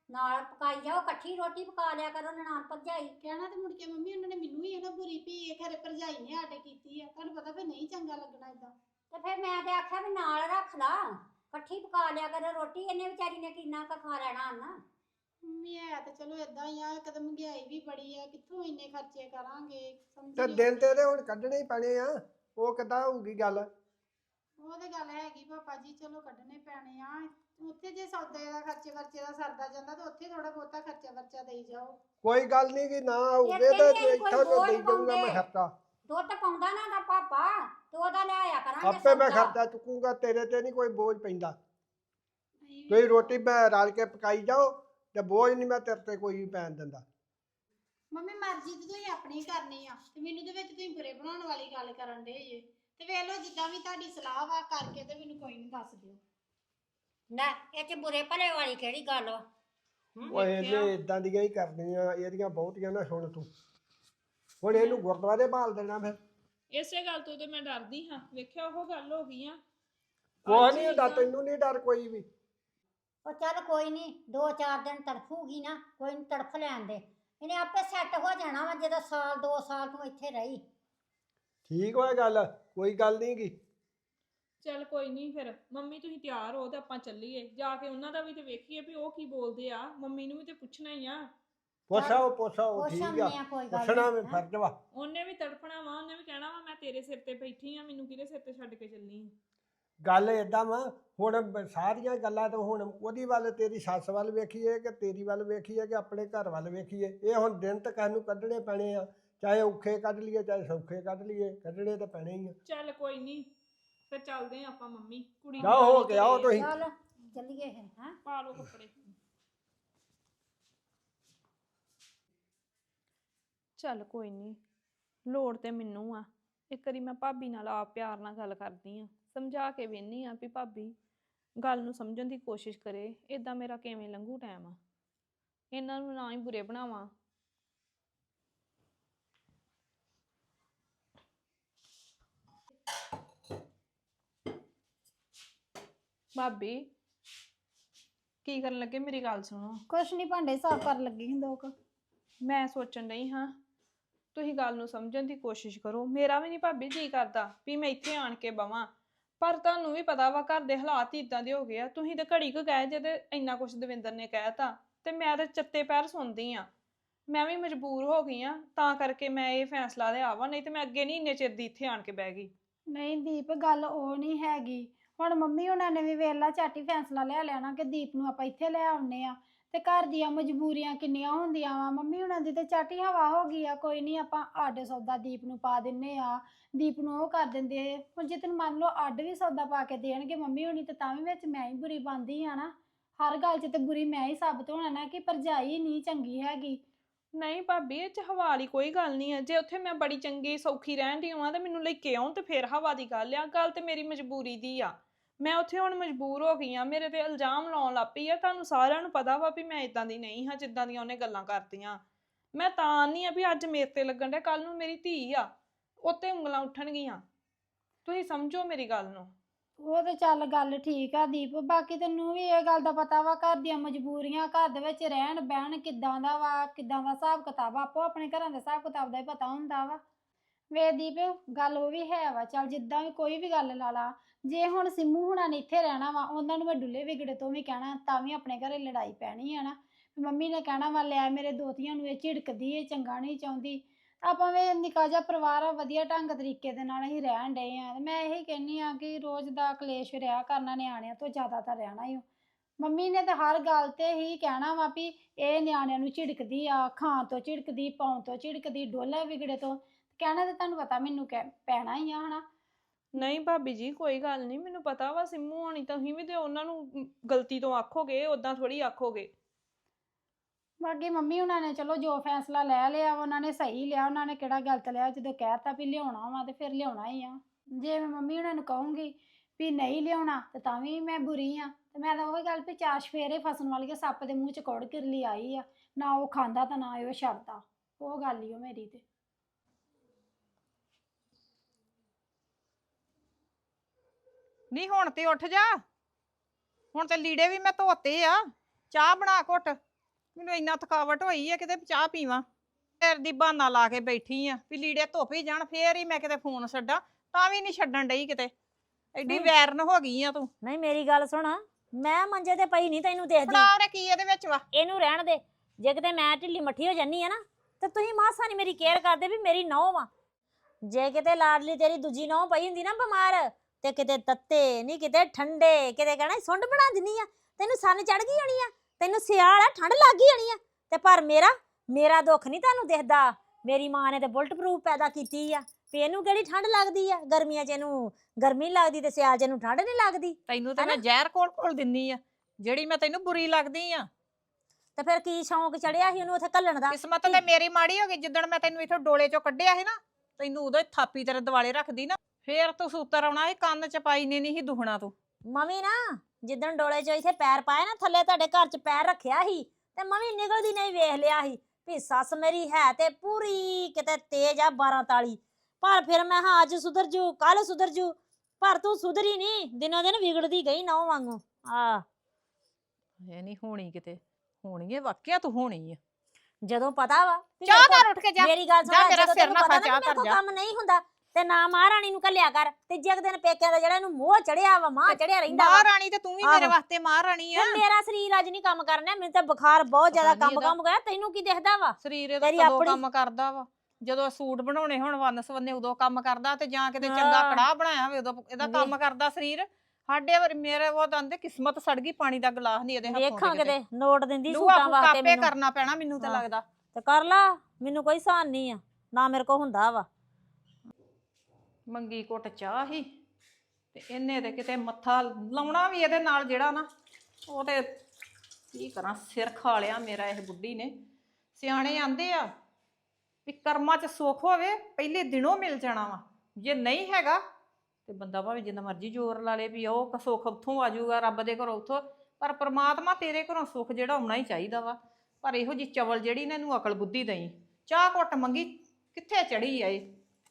ਨਾਲ ਪਕਾਈ ਜਾਓ, ਇਕੱਠੀ ਰੋਟੀ ਪਕਾ ਲਿਆ ਕਰੋ ਨਨਾਣ ਭਰਜਾਈ। ਕਹਿਣਾ ਤੇ ਮੁੜ ਕੇ ਮੰਮੀ ਉਹਨਾਂ ਨੇ ਮੈਨੂੰ ਹੀ ਨਾ ਬੁਰੀ ਵੀ ਇਹ ਖਰੇ ਭਰਜਾਈ ਨੇ ਆਟੇ ਕੀਤੀ ਆ, ਤੁਹਾਨੂੰ ਪਤਾ ਫਿਰ ਨਹੀਂ ਚੰਗਾ ਲੱਗਣਾ ਇਦਾਂ। ਤੇ ਫਿਰ ਮੈਂ ਤੇ ਆਖਿਆ ਵੀ ਨਾਲ ਰੱਖ ਲਾ, ਇਕੱਠੀ ਪਕਾ ਲਿਆ ਕਰੋ ਰੋਟੀ, ਇਹਨੇ ਵਿਚਾਰੀ ਨੇ ਕਿੰਨਾ ਕੁ ਖਾ ਲੈਣਾ ਨਾ। ਮੰਮੀ ਹੈ ਤੇ ਚਲੋ ਏਦਾਂ ਹੀ ਆ, ਕਦਮ ਮਹਿੰਗਾਈ ਵੀ ਬੜੀ ਆ, ਕਿੱਥੋਂ ਇੰਨੇ ਖਰਚੇ ਕਰਾਂਗੇ, ਸਮਝ ਤੇ ਨਹੀਂ ਦਿਨ ਆਉਂਦੀ। ਤੇ ਇਹਦੇ ਹੁਣ ਕੱਢਣੇ ਹੀ ਪੈਣੇ ਆ, ਉਹ ਕਿੱਦਾਂ ਹੋਊਗੀ ਗੱਲ। ਉਹ ਤੇ ਗੱਲ ਹੈਗੀ ਪਾਪਾ ਜੀ, ਚਲੋ ਕੱਢਣੇ ਪੈਣੇ ਆ। ਉੱਥੇ ਜੇ ਸੌਦੇ ਦਾ ਖਰਚੇ ਵਰਚੇ ਦਾ ਸਰਦਾ ਜਾਂਦਾ ਤੇ ਉੱਥੇ ਥੋੜਾ ਬਹੁਤਾ ਖਰਚਾ ਵਰਚਾ ਦੇਈ ਜਾਓ। ਕੋਈ ਗੱਲ ਨਹੀਂ ਕਿ ਨਾ ਹੋਊਗੇ ਇੱਥੇ ਤੇ ਨੀ ਅਸੀਂ ਕੋਈ ਇੱਥੋਂ ਬੋਝ ਦੇਈ ਜਾਊਂਗਾ ਮੈਂ ਪਾਉਂਦੇ। ਖਰਚਾ। ਦੁੱਧ ਪਾਉਂਦਾ ਨਾ ਦਾ ਪਾਪਾ, ਤੇ ਉਹਦਾ ਲੈ ਆਇਆ ਕਰਾਂਗੇ ਆਪੇ ਮੈਂ ਸੌਦਾ। ਖਰਚਾ ਚੁੱਕੂਗਾ, ਤੇਰੇ ਤੇ ਨਹੀਂ ਕੋਈ ਬੋਝ ਪੈਂਦਾ। ਅਸੀਂ ਵੀ ਤੁਸੀਂ ਰੋਟੀ ਮੈਂ ਰਲ ਕੇ ਪਕਾਈ ਜਾਓ ਤੇ ਬੋਝ ਨਹੀਂ ਮੈਂ ਤੇਰੇ ਤੇ ਕੋਈ ਵੀ ਪੈਣ ਦਿੰਦਾ। ਮੰਮੀ ਮਰਜ਼ੀ ਤੇ ਤੁਸੀਂ ਆਪਣੀ ਕਰਨੀ ਆ, ਤੇ ਮੈਨੂੰ ਦੇ ਵਿੱਚ ਤੁਸੀਂ ਬੁਰੇ ਬਣਾਉਣ ਵਾਲੀ ਗੱਲ ਕਰਨ ਦੇ ਜੇ। ਤੇ ਵੇਖ ਲਓ ਜਿੱਦਾਂ ਵੀ ਤੁਹਾਡੀ ਸਲਾਹ ਵਾ ਕਰਕੇ ਤੇ ਮੈਨੂੰ ਕੋਈ ਨਹੀਂ ਦੱਸ ਦਿਓ। ਨਾ ਇਹ ਚ ਬੁਰੇ ਭਲੇ ਵਾਲੀ ਕਿਹੜੀ ਗੱਲ ਵਾ। ਓਏ ਇਹਨੇ ਇਦਾਂ ਦੀਆਂ ਹੀ ਕਰਨੀਆਂ, ਇਹਦੀਆਂ ਬਹੁਤੀਆਂ ਨਾ ਸੁਣ ਤੂੰ। ਹੁਣ ਇਹਨੂੰ ਗੁਰਦੁਆਰੇ ਭਾਲ ਦੇਣਾ ਫਿਰ। ਇਸੇ ਗੱਲ ਤੋਂ ਤੇ ਮੈਂ ਡਰਦੀ ਹਾਂ, ਵੇਖਿਆ ਉਹ ਗੱਲ ਹੋ ਗਈ ਆ। ਕੋਈ ਨਹੀਂ ਹੁੰਦਾ, ਤੈਨੂੰ ਨਹੀਂ ਡਰ ਕੋਈ ਵੀ। ਉਹ ਚੱਲ ਕੋਈ ਨਹੀਂ, 2-4 ਦਿਨ ਤੜਫੂਗੀ ਨਾ, ਕੋਈ ਨਹੀਂ ਤੜਫ ਲੈਣ ਦੇ, ਇਹਨੇ ਆਪੇ ਸੈੱਟ ਹੋ ਜਾਣਾ ਵਾ ਜਦੋਂ ਸਾਲ 2 ਸਾਲ ਤੂੰ ਇੱਥੇ ਰਹੀ। ਠੀਕ ਹੋਇਆ ਗੱਲ, ਕੋਈ ਗੱਲ ਨਹੀਂ ਗੀ। ਚੱਲ ਕੋਈ ਨਹੀਂ, ਫਿਰ ਮੰਮੀ ਤੁਸੀਂ ਤਿਆਰ ਹੋ ਤੇ ਆਪਾਂ ਚੱਲੀਏ, ਜਾ ਕੇ ਉਹਨਾਂ ਦਾ ਵੀ ਤੇ ਵੇਖੀਏ ਵੀ ਉਹ ਕੀ ਬੋਲਦੇ ਆ, ਮੰਮੀ ਨੂੰ ਵੀ ਤੇ ਪੁੱਛਣਾ ਹੀ ਆ। ਪੁੱਛਾਓ ਪੁੱਛ ਠੀਕ ਆਉਂਦੇ ਆ, ਆ, ਕੋਈ ਗੱਲ ਪੁੱਛਣਾ ਨੀ, ਵੀ ਹੈਂ। ਫਰਜ਼ ਵਾ। ਉਹਨੇ ਵੀ ਤੜਫਣਾ ਵਾ, ਉਹਨੇ ਵੀ ਕਹਿਣਾ ਵਾ ਮੈਂ ਤੇਰੇ ਸਿਰ ਤੇ ਬੈਠੀ ਆ, ਮੈਨੂੰ ਕਿਹਦੇ ਸਿਰ ਤੇ ਛੱਡ ਕੇ ਚੱਲੀ ਆ। ਗੱਲ ਏਦਾਂ ਵਾ, ਹੁਣ ਸਾਰੀਆਂ ਗੱਲਾਂ ਤੋਂ ਹੁਣ ਉਹਦੀ ਵੱਲ, ਤੇਰੀ ਸੱਸ ਵੱਲ ਵੇਖੀਏ ਕਿ ਤੇਰੀ ਵੱਲ ਵੇਖੀਏ ਕਿ ਆਪਣੇ ਘਰ ਵੱਲ ਵੇਖੀਏ। ਇਹ ਹੁਣ ਦਿਨ ਤੱਕ ਸਾਨੂੰ ਕੱਢਣੇ ਪੈਣੇ ਆ, ਚਾਹੇ ਔਖੇ ਕੱਢ ਲਈਏ ਚਾਹੇ ਸੌਖੇ ਕੱਢ ਲਈਏ, ਕੱਢਣੇ ਤਾਂ ਪੈਣੇ ਹੀ ਆ। ਚੱਲ ਕੋਈ ਨਹੀਂ, ਫਿਰ ਚੱਲਦੇ ਆ ਆਪਾਂ ਮੰਮੀ, ਕੁੜੀ ਜਾਓ ਹੋ ਕੇ ਆਓ ਤੁਸੀਂ। ਚੱਲ ਚੱਲੀਏ ਫਿਰ, ਹੈਂ। ਪਾ ਲਓ ਕੱਪੜੇ। ਚੱਲ ਕੋਈ ਨਹੀਂ, ਲੋੜ ਤੇ ਮੈਨੂੰ ਆ। ਇੱਕ ਵਾਰੀ ਮੈਂ ਭਾਬੀ ਨਾਲ ਆਪ ਪਿਆਰ ਨਾਲ ਗੱਲ ਕਰਦੀ ਆ, ਸਮਝਾ ਕੇ ਵੇਖਨੀ ਆ ਵੀ ਭਾਬੀ ਗੱਲ ਨੂੰ ਸਮਝਣ ਦੀ ਕੋਸ਼ਿਸ਼ ਕਰੇ, ਇਦਾਂ ਮੇਰਾ ਕਿਵੇਂ ਲੰਘੂ ਟਾਈਮ ਆ, ਇਹਨਾਂ ਨੂੰ ਨਾ ਹੀ ਬੁਰੇ ਬਣਾਵਾਂ। ਭਾਬੀ ਕੀ ਕਰਨ ਲੱਗੇ, ਮੇਰੀ ਗੱਲ ਸੁਣੋ। ਕੁਛ ਨਹੀਂ, ਭਾਂਡੇ ਸਾਫ਼ ਕਰਨ ਲੱਗੀ ਸੀ 2 ਕੁ। ਮੈਂ ਸੋਚਣ ਡਈ ਹਾਂ, ਤੁਸੀਂ ਗੱਲ ਨੂੰ ਸਮਝਣ ਦੀ ਕੋਸ਼ਿਸ਼ ਕਰੋ। ਮੇਰਾ ਵੀ ਨਹੀਂ ਭਾਬੀ ਜੀ ਕਰਦਾ ਵੀ ਮੈਂ ਇੱਥੇ ਆਣ ਕੇ ਬਵਾਂ, ਪਰ ਤੁਹਾਨੂੰ ਵੀ ਪਤਾ ਵਾ ਘਰ ਦੇ ਹਾਲਾਤ ਹੀ ਇਦਾਂ ਦੇ ਹੋ ਗਏ ਆ। ਤੁਸੀਂ ਤੇ ਘੜੀ ਕੁ ਗਏ ਜੇ ਤੇ ਇੰਨਾ ਕੁਛ ਦਵਿੰਦਰ ਨੇ ਕਹਿਤਾ, ਤੇ ਮੈਂ ਤੇ ਚੱਤੇ ਪੈਰ ਸੁਣਦੀ ਆ। ਮੈਂ ਵੀ ਮਜਬੂਰ ਹੋ ਗਈ ਆ, ਤਾਂ ਕਰਕੇ ਮੈਂ ਇਹ ਫੈਸਲਾ ਲਿਆ ਵਾ, ਨਹੀਂ ਤੇ ਮੈਂ ਅੱਗੇ ਨਹੀਂ ਇੰਨੇ ਚਿਰ ਦੀ ਇੱਥੇ ਆਣ ਕੇ ਬਹਿ ਗਈ। ਨਹੀਂ ਦੀਪ, ਗੱਲ ਉਹ ਨਹੀਂ ਹੈਗੀ। ਹੁਣ ਮੰਮੀ ਉਹਨਾਂ ਨੇ ਵੀ ਵੇਲਾ ਝਾਟੀ ਫੈਸਲਾ ਲੈ ਲੈਣਾ ਕਿ ਦੀਪ ਨੂੰ ਆਪਾਂ ਇੱਥੇ ਲੈ ਆਉਨੇ ਆ, ਤੇ ਘਰ ਦੀਆਂ ਮਜਬੂਰੀਆਂ ਕਿੰਨੀਆਂ ਹੁੰਦੀਆਂ ਵਾ। ਮੰਮੀ ਉਹਨਾਂ ਦੀ ਤੇ ਝਾਟੀ ਹਵਾ ਹੋ ਗਈ ਆ, ਕੋਈ ਨਹੀਂ ਆਪਾਂ ਅੱਡ ਸੌਦਾ ਦੀਪ ਨੂੰ ਪਾ ਦਿੰਨੇ ਆ, ਦੀਪ ਨੂੰ ਉਹ ਕਰ ਦਿੰਦੇ। ਹੁਣ ਜੇ ਤੈਨੂੰ ਮੰਨ ਲਓ ਅੱਡ ਵੀ ਸੌਦਾ ਪਾ ਕੇ ਦੇਣਗੇ ਮੰਮੀ ਹੋਣੀ, ਤੇ ਤਾਂ ਵੀ ਵਿੱਚ ਮੈਂ ਹੀ ਬੁਰੀ ਬਣਦੀ ਆ ਨਾ। ਹਰ ਗੱਲ 'ਚ ਤੇ ਬੁਰੀ ਮੈਂ ਹੀ ਸਾਬਤ ਹੋਣਾ ਨਾ, ਕਿ ਭਰਜਾਈ ਨਹੀਂ ਚੰਗੀ ਹੈਗੀ। ਨਹੀਂ ਭਾਬੀ, ਇਹ ਚ ਹਵਾ ਵਾਲੀ ਕੋਈ ਗੱਲ ਨਹੀਂ ਹੈ। ਜੇ ਉੱਥੇ ਮੈਂ ਬੜੀ ਚੰਗੀ ਸੌਖੀ ਰਹਿਣ ਦੀ ਹਾਂ ਤੇ ਮੈਨੂੰ ਲੈ ਕੇ ਆਉਣ, ਤੇ ਫਿਰ ਹਵਾ ਦੀ ਗੱਲ ਆ। ਗੱਲ ਤੇ ਮੇਰੀ ਮਜਬੂਰੀ ਦੀ ਆ, ਮੈਂ ਉੱਥੇ ਹੁਣ ਮਜਬੂਰ ਹੋ ਗਈ ਆ। ਮੇਰੇ ਤੇ ਇਲਜ਼ਾਮ ਲਾਉਣ ਲੱਗ ਪਈ ਆ। ਤੁਹਾਨੂੰ ਸਾਰਿਆਂ ਨੂੰ ਪਤਾ ਵਾ ਵੀ ਮੈਂ ਇਦਾਂ ਦੀ ਨਹੀਂ ਹਾਂ ਜਿੱਦਾਂ ਦੀਆਂ ਉਹਨੇ ਗੱਲਾਂ ਕਰਤੀਆਂ। ਮੈਂ ਤਾਂ ਨਹੀਂ ਆ ਵੀ ਅੱਜ ਮੇਰੇ ਤੇ ਲੱਗਣ ਡਿਆ, ਕੱਲ ਨੂੰ ਮੇਰੀ ਧੀ ਆ ਉੱਤੇ ਉਂਗਲਾਂ ਉੱਠਣਗੀਆਂ। ਤੁਸੀਂ ਸਮਝੋ ਮੇਰੀ ਗੱਲ ਨੂੰ। ਉਹ ਤੇ ਚੱਲ ਗੱਲ ਠੀਕ ਆ ਦੀਪ, ਬਾਕੀ ਤੈਨੂੰ ਵੀ ਇਹ ਗੱਲ ਦਾ ਪਤਾ ਵਾ ਘਰ ਦੀਆਂ ਮਜਬੂਰੀਆਂ, ਘਰ ਦੇ ਵਿੱਚ ਰਹਿਣ ਬਹਿਣ ਕਿੱਦਾਂ ਦਾ ਵਾ, ਕਿੱਦਾਂ ਦਾ ਹਿਸਾਬ ਕਿਤਾਬ ਆ। ਆਪੋ ਆਪਣੇ ਘਰਾਂ ਦੇ ਹਿਸਾਬ ਕਿਤਾਬ ਦਾ ਹੀ ਪਤਾ ਹੁੰਦਾ ਵਾ। ਵੇ ਦੀਪ, ਗੱਲ ਉਹ ਵੀ ਹੈ ਵਾ, ਚੱਲ ਜਿੱਦਾਂ ਵੀ ਕੋਈ ਵੀ ਗੱਲ ਲਾ ਲਾ। ਜੇ ਹੁਣ ਸਿੰਮੂ ਹੁਣਾਂ ਨੇ ਇੱਥੇ ਰਹਿਣਾ ਵਾ, ਉਹਨਾਂ ਨੂੰ ਮੈਂ ਡੁੱਲੇ ਵਿਗੜੇ ਤੋਂ ਵੀ ਕਹਿਣਾ, ਤਾਂ ਵੀ ਆਪਣੇ ਘਰੇ ਲੜਾਈ ਪੈਣੀ ਆ ਨਾ। ਮੰਮੀ ਨੇ ਕਹਿਣਾ ਵਾ ਲੈ ਮੇਰੇ ਦੋਤੀਆਂ ਨੂੰ ਇਹ ਝਿੜਕਦੀ, ਇਹ ਚੰਗਾ ਨਹੀਂ ਚਾਹੁੰਦੀ। ਆਪਾਂ ਵੀ ਨਿੱਕਾ ਜਿਹਾ ਪਰਿਵਾਰ ਆ, ਵਧੀਆ ਢੰਗ ਤਰੀਕੇ ਦੇ ਨਾਲ ਅਸੀਂ ਰਹਿਣ ਡਏ ਆ। ਤੇ ਮੈਂ ਇਹੀ ਕਹਿੰਨੀ ਆ ਕਿ ਰੋਜ਼ ਦਾ ਕਲੇਸ਼ ਰਿਹਾ ਕਰਨਾ ਨਿਆਣਿਆਂ ਤੋਂ ਜ਼ਿਆਦਾ ਤਾਂ ਰਹਿਣਾ ਹੀ। ਮੰਮੀ ਨੇ ਤਾਂ ਹਰ ਗੱਲ ਤੇ ਹੀ ਕਹਿਣਾ ਵਾ ਵੀ ਇਹ ਨਿਆਣਿਆਂ ਨੂੰ ਝਿੜਕਦੀ ਆ, ਖਾਣ ਤੋਂ ਝਿੜਕਦੀ, ਪਾਉਣ ਤੋਂ ਝਿੜਕਦੀ, ਡੋਲੇ ਵਿਗੜੇ ਤੋਂ। ਕਹਿਣਾ ਤੇ ਤੁਹਾਨੂੰ ਪਤਾ ਮੈਨੂੰ ਪੈਣਾ ਹੀ ਆ ਹਨਾ। ਨਹੀਂ ਭਾਬੀ ਜੀ, ਕੋਈ ਗੱਲ ਨਹੀਂ, ਮੈਨੂੰ ਪਤਾ ਵਾ ਸਿੰਮੂ ਹੋਣੀ, ਤੁਸੀਂ ਵੀ ਤੇ ਉਹਨਾਂ ਨੂੰ ਗਲਤੀ ਤੋਂ ਆਖੋਗੇ, ਉਦਾਂ ਥੋੜੀ ਆਖੋਗੇ। ਬਾਕੀ ਮੰਮੀ ਉਹਨਾਂ ਨੇ ਚਲੋ ਜੋ ਫੈਸਲਾ ਲੈ ਲਿਆ ਉਹਨਾਂ ਨੇ ਸਹੀ ਲਿਆ, ਉਹਨਾਂ ਨੇ ਕਿਹੜਾ ਗਲਤ ਲਿਆ। ਜਦੋਂ ਕਹਿਤਾ ਵੀ ਲਿਆਉਣਾ ਵਾ ਤੇ ਫਿਰ ਲਿਆਉਣਾ ਹੀ ਆ। ਜੇ ਮੈਂ ਮੰਮੀ ਉਹਨਾਂ ਨੂੰ ਕਹੂੰਗੀ ਵੀ ਨਹੀਂ ਲਿਆਉਣਾ ਤੇ ਤਾਂ ਵੀ ਮੈਂ ਬੁਰੀ ਆ। ਤੇ ਮੈਂ ਤਾਂ ਉਹੀ ਗੱਲ ਵੀ 4 ਸਫੇਰੇ ਫਸਣ ਵਾਲੀ ਸੱਪ ਦੇ ਮੂੰਹ ਚ ਕੌੜ ਕਿਰਲੀ ਆਈ ਆ, ਨਾ ਉਹ ਖਾਂਦਾ ਤਾਂ ਨਾ ਉਹ ਛੱਡਦਾ। ਉਹ ਗੱਲ ਹੀ ਉਹ ਮੇਰੀ ਤੇ। ਨਹੀਂ ਹੁਣ ਤੇ ਉੱਠ ਜਾ, ਹੁਣ ਤੇ ਲੀੜੇ ਵੀ ਮੈਂ ਧੋਤੇ ਆ। ਚਾਹ ਬਣਾ ਘੁੱਟ। ਮੈਨੂੰ ਇੰਨਾ ਥਕਾਵਟ ਹੋਈ ਆ ਕਿਤੇ ਚਾਹ ਪੀਵਾਂ। ਫੇਰ ਦੀ ਬਹਾਨਾ ਲਾ ਕੇ ਬੈਠੀ ਆ ਵੀ ਲੀੜੇ ਧੁੱਪ ਹੀ ਜਾਣ, ਫੇਰ ਹੀ ਮੈਂ ਕਿਤੇ ਫੋਨ ਛੱਡਾਂ, ਤਾਂ ਵੀ ਨਹੀਂ ਛੱਡਣ ਡਈ ਕਿਤੇ। ਐਡੀ ਨਹੀਂ। ਵੈਰਨ ਹੋ ਗਈ ਆ ਤੂੰ। ਨਹੀਂ ਮੇਰੀ ਗੱਲ ਸੁਣ, ਮੈਂ ਮੰਜੇ ਤੇ ਪਈ ਨਹੀਂ ਤੈਨੂੰ ਦੇਖਦੀ। ਫੜਾ ਰੇ ਕੀ ਇਹਦੇ ਵਿੱਚ ਵਾ? ਇਹਨੂੰ ਰਹਿਣ ਦੇ। ਜੇ ਕਿਤੇ ਮੈਂ ਢਿੱਲੀ ਮੱਠੀ ਹੋ ਜਾਨੀ ਆ ਨਾ ਤੇ ਤੁਸੀਂ ਮਾਸਾ ਨਹੀਂ ਮੇਰੀ ਕੇਅਰ ਕਰਦੇ ਵੀ ਮੇਰੀ ਨੌਂ ਵਾ। ਜੇ ਕਿਤੇ ਲਾਡਲੀ ਤੇਰੀ ਦੂਜੀ ਨੌਂ ਪਈ ਹੁੰਦੀ ਨਾ ਬਿਮਾਰ, ਤੇ ਕਿਤੇ ਤੱਤੇ ਨਹੀਂ ਕਿਤੇ ਠੰਡੇ, ਕਿਤੇ ਕਹਿਣਾ ਸੁੰਡ ਬਣਾ ਦਿੰਨੀ ਆ, ਤੈਨੂੰ ਸੰਨ ਚੜ ਗਈ ਹੋਣੀ ਆ, ਤੈਨੂੰ ਸਿਆਲ ਆ ਠੰਡ ਲੱਗ ਗਈ ਹੋਣੀ ਆ। ਤੇ ਪਰ ਮੇਰਾ ਦੁੱਖ ਨਹੀਂ ਤੁਹਾਨੂੰ ਦਿਖਦਾ। ਮੇਰੀ ਮਾਂ ਨੇ ਤੇ ਬੁਲਟ ਪ੍ਰੂਫ ਪੈਦਾ ਕੀਤੀ ਆ ਵੀ ਇਹਨੂੰ ਕਿਹੜੀ ਠੰਡ ਲੱਗਦੀ ਆ। ਗਰਮੀਆਂ 'ਚ ਇਹਨੂੰ ਗਰਮੀ ਲੱਗਦੀ ਤੇ ਸਿਆਲ 'ਚ ਇਹਨੂੰ ਠੰਡ ਨਹੀਂ ਲੱਗਦੀ। ਤੈਨੂੰ ਤੇ ਹਨਾ? ਮੈਂ ਜ਼ਹਿਰ ਕੋਲ ਦਿੰਨੀ ਆ, ਜਿਹੜੀ ਮੈਂ ਤੈਨੂੰ ਬੁਰੀ ਲੱਗਦੀ ਆ। ਤੇ ਫਿਰ ਕੀ ਸ਼ੌਂਕ ਚੜਿਆ ਸੀ ਉਹਨੂੰ ਉੱਥੇ ਘੱਲਣ ਦਾ? ਕਿਸਮਤ ਤੇ ਮੇਰੀ ਮਾੜੀ ਹੋ ਗਈ, ਜਿੱਦਣ ਮੈਂ ਤੈਨੂੰ ਇੱਥੋਂ ਡੋਲੇ ਚੋਂ ਕੱਢਿਆ ਸੀ ਨਾ, ਤੈਨੂੰ ਉਦੋਂ ਹੀ ਥਾਪੀ ਤੇਰੇ ਦਿਵਾਲੇ ਰੱਖਦੀ ਨਾ, ਫੇਰ ਤੂੰ ਸੂਤਰ ਆਉਣਾ ਸੀ, ਕੰਨ ਚ ਪਾਈ ਨੇ ਨਹੀਂ ਸੀ ਦੁਖਣਾ ਤੂੰ। ਮਮੀ ਨਾ ਜਿੱਦਣ ਡੋਲੇ 'ਚ ਇੱਥੇ ਪੈਰ ਪਾਏ ਨਾ, ਥੱਲੇ ਤੁਹਾਡੇ ਘਰ 'ਚ ਪੈਰ ਰੱਖਿਆ ਸੀ ਤੇ ਮਮੀ ਨਿਕਲਦੀ ਨਹੀਂ ਵੇਖ ਲਿਆ ਸੀ ਵੀ ਸੱਸ ਮੇਰੀ ਹੈ ਤੇ ਪੂਰੀ ਕਿਤੇ ਤੇਜ਼ ਆ 12 ਤਾਲੀ। ਪਰ ਫਿਰ ਮੈਂ ਹਾਂ ਅੱਜ ਸੁਧਰ ਜੂ ਕੱਲ ਸੁਧਰ ਜੂ, ਪਰ ਤੂੰ ਸੁਧਰੀ ਨਹੀਂ, ਦਿਨੋਂ ਦਿਨ ਵਿਗੜਦੀ ਗਈ ਨੌ ਵਾਂਗੂ। ਇਹ ਨਹੀਂ ਹੋਣੀ, ਕਿਤੇ ਹੋਣੀ ਹੈ, ਵਾਕਿਆ ਤੂੰ ਹੋਣੀ ਹੈ। ਜਦੋਂ ਪਤਾ ਵਾ ਵੀ ਚਾਹ ਮੇਰੇ ਕੋਲ- ਕਰ ਉੱਠ ਕੇ ਜਾ। ਮੇਰੀ ਗੱਲ ਜਾ, ਸੁਣ, ਮੇਰਾ ਜਦੋਂ ਸਿਰ ਤੈਨੂੰ ਨਾ ਪਤਾ ਖਾ, ਨਾ ਚਾਹ ਵੀ ਮੇਰੇ ਕਰ ਕੋਲ ਜਾ। ਕੰਮ ਨਹੀਂ ਹੁੰਦਾ ਤੇ ਨਾ ਮਹਾਰਾਣੀ ਨੂੰ ਘੱਲਿਆ ਕਰ। ਤੀਜੇ ਕੁ ਦਿਨ ਪੇਕਿਆਂ ਦਾ ਜਿਹੜਾ ਇਹਨੂੰ ਮੋਹ ਚੜਿਆ ਵਾ, ਮਾਂ ਚੜਿਆ ਰਹਿੰਦਾ ਵਾ। ਮਹਾਰਾਣੀ ਤੇ ਤੂੰ ਵੀ ਮੇਰੇ ਆਹੋ। ਵਾਸਤੇ ਮਹਾਰਾਣੀ ਆ। ਤੇ ਮੇਰਾ ਸਰੀਰ ਅੱਜ ਨਹੀਂ ਕੰਮ ਕਰਨਾ, ਮੈਨੂੰ ਤਾਂ ਬੁਖਾਰ ਬਹੁਤ ਜ਼ਿਆਦਾ ਪਤਾ ਨੀ ਕੰਮ ਗਿਆ। ਤੈਨੂੰ ਕੀ ਦਿਖਦਾ ਵਾ? ਸਰੀਰ ਇਹਦਾ ਤੇਰੀ ਕਦੋਂ ਆਪਣੀ- ਕੰਮ ਕਰਦਾ ਵਾ? ਜਦੋਂ ਸੂਟ ਬਣਾਉਣੇ ਹੁਣ ਵੰਨ ਸਵੰਨੇ ਉਦੋਂ ਕੰਮ ਕਰਦਾ, ਤੇ ਜਾਂ ਕਿਤੇ ਚੰਗਾ ਹਾਂ। ਕੜਾਹ ਬਣਾਇਆ ਹੋਵੇ ਉਦੋਂ ਇਹਦਾ ਕੰਮ ਕਰਦਾ ਸਰੀਰ। ਮੇਰੇ ਉਹ ਦੰਦ ਕਿਸਮਤ ਸੜ ਗਈ, ਪਾਣੀ ਦਾ ਗਲਾਸ ਨਹੀਂ ਇਹਦੇ ਹੱਥੋਂ ਵੇਖਾਂ ਕਿਤੇ। ਕਿਤੇ ਨੋਟ ਦਿੰਦੀ ਲੂਆ ਸੂਟਾਂ ਵਾਸਤੇ ਕਾਪੇ ਮੈਨੂੰ। ਕਰਨਾ ਪੈਣਾ ਮੈਨੂੰ ਤੇ ਹਾਂ। ਲੱਗਦਾ। ਤੇ ਕਰ ਲਾ, ਮੈਨੂੰ ਕੋਈ ਸਾਨ ਨਹੀਂ ਆ, ਨਾ ਮੇਰੇ ਕੋ ਹੁੰਦਾ ਵਾ। ਮੰਗੀ ਘੁੱਟ ਚਾਹ ਹੀ ਤੇ ਇਹਨੇ ਤੇ ਕਿਤੇ ਮੱਥਾ ਲਾਉਣਾ ਵੀ ਇਹਦੇ ਨਾਲ ਜਿਹੜਾ ਨਾ, ਉਹ ਤੇ ਕੀ ਕਰਾਂ, ਸਿਰ ਖਾ ਲਿਆ ਮੇਰਾ ਇਹ ਬੁੱਢੀ ਨੇ। ਸਿਆਣੇ ਆਂਦੇ ਆ ਵੀ ਕਰਮਾਂ 'ਚ ਸੁੱਖ ਹੋਵੇ ਪਹਿਲੇ ਦਿਨੋਂ ਮਿਲ ਜਾਣਾ ਵਾ, ਜੇ ਨਹੀਂ ਹੈਗਾ ਤੇ ਬੰਦਾ ਭਾਵੇਂ ਜਿੰਨਾ ਮਰਜ਼ੀ ਜ਼ੋਰ ਲਾ ਲੇ ਵੀ ਉਹ ਸੁੱਖ ਉੱਥੋਂ ਆ ਜਾਊਗਾ, ਰੱਬ ਦੇ ਘਰੋਂ ਉੱਥੋਂ, ਪਰ ਪ੍ਰਮਾਤਮਾ ਤੇਰੇ ਘਰੋਂ ਸੁੱਖ ਜਿਹੜਾ ਆਉਣਾ ਹੀ ਚਾਹੀਦਾ ਵਾ। ਪਰ ਇਹੋ ਜੀ ਚਵਲ ਜਿਹੜੀ ਨੇ ਇਹਨੂੰ ਅਕਲ ਬੁੱਧੀ ਦਈ। ਚਾਹ ਘੁੱਟ ਮੰਗੀ, ਕਿੱਥੇ ਚੜੀ ਆ ਇਹ?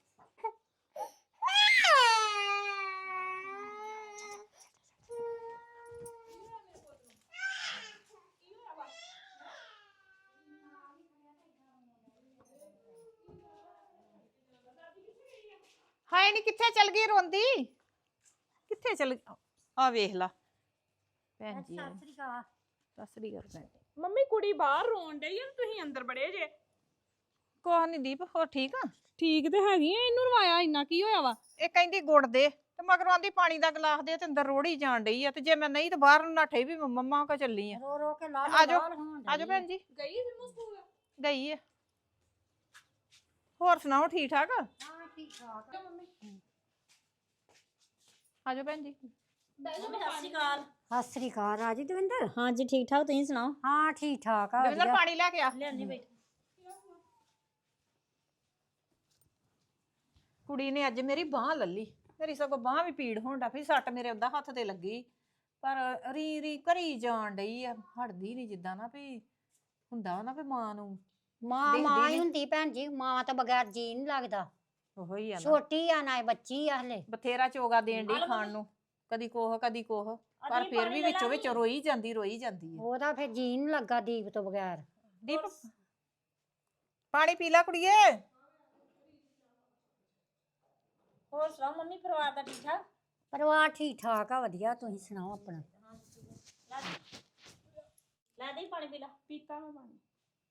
ਹਾਏ ਨੀ ਕਿੱਥੇ ਚਲ ਗਈ ਰੋਂਦੀ? ਕਿੱਥੇ ਚਲ ਆ ਵੇਖ ਲਾ ਭੈਣ ਜੀ। ਸਤਿ ਸ੍ਰੀ ਅਕਾਲ ਭੈਣ ਜੀ। ਮੰਮੀ ਕੁੜੀ ਬਾਹਰ ਰੋਣ ਡਈ ਆ, ਤੁਸੀਂ ਅੰਦਰ ਬੜੇ ਜੇ। ਕੋਹ ਨੀ ਦੀਪ, ਹੋਰ ਠੀਕ ਆ? ਠੀਕ ਤੇ ਹੈਗੀ ਆ, ਇਹਨੂੰ ਰਵਾਇਆ ਇੰਨਾ ਕੀ ਹੋਇਆ ਵਾ? ਇਹ ਕਹਿੰਦੀ ਗੁੜ ਦੇ ਤੇ ਮਗਰੋਂ ਆਂਦੀ ਪਾਣੀ ਦਾ ਗਲਾਸ ਦੇ, ਤੇ ਅੰਦਰ ਰੋੜੀ ਜਾਣ ਡਈ ਆ। ਤੇ ਜੇ ਮੈਂ ਨਹੀਂ ਤੇ ਬਾਹਰ ਨੂੰ ਨੱਠੇ ਵੀ ਮੰਮਾ ਕੋ ਚੱਲੀ ਆ। ਰੋ ਰੋ ਕੇ ਲਾਲ ਆਜੋ, ਲਾਲ ਹੋਣ ਆਜੋ ਡਈ। ਭੈਣ ਜੀ। ਗਈ ਜਿੰਮੂ ਸਕੂਲ? ਗਈ ਆ। ਹੋਰ ਸੁਣਾਓ, ਠੀਕ ਠਾਕ? ਹਾਂ ਠੀਕ ਠਾਕ ਆ। ਆਜੋ ਭੈਣ ਜੀ। ਸਤਿ ਸ਼੍ਰੀ ਅਕਾਲ। ਸਤਿ ਸ੍ਰੀ ਅਕਾਲ ਰਾਜੀ ਦਵਿੰਦਰ। ਹਾਂਜੀ ਠੀਕ ਠਾਕ, ਤੁਸੀਂ ਸੁਣਾਓ? ਹਾਂ ਠੀਕ ਠਾਕ ਆ ਦਵਿੰਦਰ ਵਧੀਆ। ਪਾਣੀ ਲੈ ਕੇ ਆ। ਲਿਆਨੀ ਬੈਠ। ਕੁੜੀ ਨੇ ਅੱਜ ਮੇਰੀ ਬਾਹ ਲੱਲੀ, ਮੇਰੀ ਸਗੋਂ ਬਾਹ ਵੀ ਪੀੜ ਹੋਣ ਡਈ, ਸੱਟ ਮੇਰੇ ਉਹਦਾ ਹੱਥ ਤੇ ਲੱਗੀ, ਪਰ ਰੀ ਕਰੀ ਜਾਣ ਡਈ ਆ, ਹਟਦੀ ਨਹੀਂ। ਜਿੱਦਾਂ ਨਾ ਵੀ ਹੁੰਦਾ ਨਾ ਵੀ ਮਾਂ ਨੂੰ ਮਾਂ ਦੇਖਦੀ ਮਾਂ ਹੀ ਨੀ। ਹੁੰਦੀ ਭੈਣ ਜੀ, ਮਾਂ ਤੋਂ ਬਗੈਰ ਜੀ ਨਹੀਂ ਲੱਗਦਾ। ਉਹੋ ਹੀ ਆ ਨਾ, ਛੋਟੀ ਆ ਨਾ ਬੱਚੀ ਆ ਹਲੇ। ਬਥੇਰਾ ਚੋਗਾ ਦੇਣ ਡਈ ਖਾਣ ਨੂੰ, ਕਦੀ ਕੋਹ ਕਦੀ ਕੋਹ, ਪਰ ਫਿਰ ਵੀ ਵਿੱਚੋਂ ਵਿੱਚ ਰੋਈ ਜਾਂਦੀ ਆ। ਉਹਦਾ ਫਿਰ ਜੀ ਨਹੀਂ ਲੱਗਾ ਦੀਪ ਤੋਂ ਬਗੈਰ। ਦੀਪ ਪਾਣੀ ਪੀ ਲੈ ਕੁੜੀਏ। ਹੋਰ ਸੁਣਾਓ ਮੰਮੀ, ਪਰਿਵਾਰ ਦਾ ਠੀਕ ਠਾਕ? ਪਰਿਵਾਰ ਠੀਕ ਠਾਕ ਆ ਵਧੀਆ, ਤੁਸੀਂ ਸੁਣਾਓ ਆਪਣਾ। ਲੈ ਦੇ ਪਾਣੀ ਪੀ ਲਾ। ਪੀਤਾ ਮੈਂ ਪਾਣੀ।